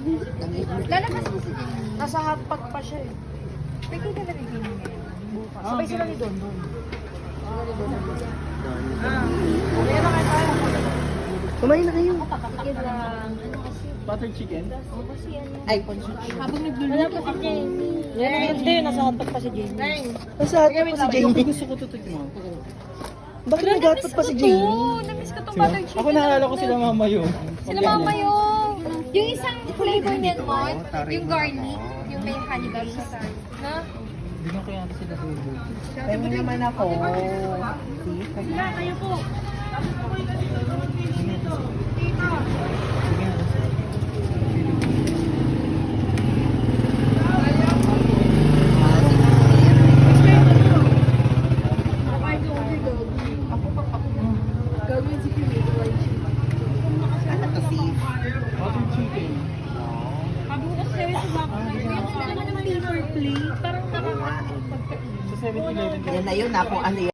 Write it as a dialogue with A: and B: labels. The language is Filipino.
A: Lalabas mo si Jenny. Nasa hotpot pa siya eh. Pwede ka na rin Jenny ngayon. Bukas. Sabay sila ni Don Don. Kaya na kayo tayo.
B: Kumain na kayo.
A: Sige lang. Ano kasi?
C: Butter chicken?
A: Oo kasi ano.
B: Ay,
A: Habang nagluluto pa si Jenny. Hindi, nasa hotpot pa si Jenny.
B: nasa hotpot pa si Jamie.
C: Gusto ko tutignan.
B: Bakit nag-hotpot pa si Jamie?
A: Namiss ko itong butter chicken.
C: Ako naalala ko sila mama yun.
A: Sila mama yung isang flavor niyan mo, yung garlic, yung may honey ba siya sa, na?
C: Hindi na kaya sila tubo.
B: Tingin naman ako.
A: Sila, kayo po.
B: Ano to, sis?
C: Butter chicken.
A: Sabi ko kasi sa'yo sa bako na yun. Yung naman naman paper plate, parang nakaka...
C: Sa 7-Eleven.
B: Yan na yun, ako ano